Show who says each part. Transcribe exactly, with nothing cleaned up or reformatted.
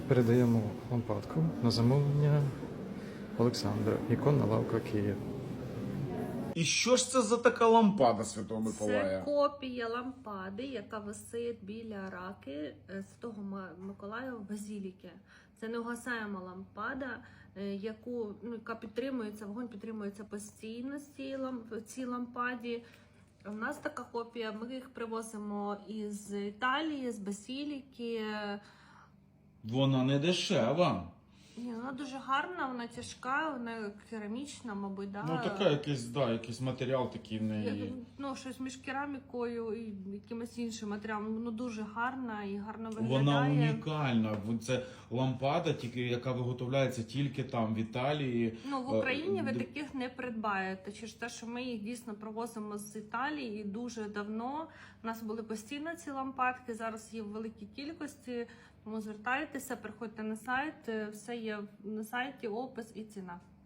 Speaker 1: Передаємо лампадку на замовлення Олександра. Іконна лавка Київ.
Speaker 2: І що ж це за така лампада Святого
Speaker 3: Це
Speaker 2: Миколая?
Speaker 3: копія лампади, яка висить біля раки Святого Миколая в базіліки. Це неугасаема лампада, е, яку, ну, яка підтримується, вогонь підтримується постійно з цій, ламп, в цій лампаді. У нас така копія, ми їх привозимо із Італії, з базіліки.
Speaker 2: Вона не дешева.
Speaker 3: Ні, вона дуже гарна, вона тяжка, вона керамічна, мабуть, да?
Speaker 2: Ну така якийсь, да, якийсь матеріал такий в
Speaker 3: Я-
Speaker 2: неї.
Speaker 3: Ну, щось між керамікою і якимось іншим матеріалом. Ну, дуже гарна і гарно виглядає.
Speaker 2: Вона унікальна. Це лампада, тільки яка виготовляється тільки там, в Італії.
Speaker 3: Ну, в Україні ви
Speaker 2: Е,
Speaker 3: таких не придбаєте, через те, що ми їх дійсно провозимо з Італії і дуже давно. У нас були постійно ці лампадки, зараз є в великій кількості. Тому звертайтеся, приходьте на сайт, все є на сайті, опис і ціна.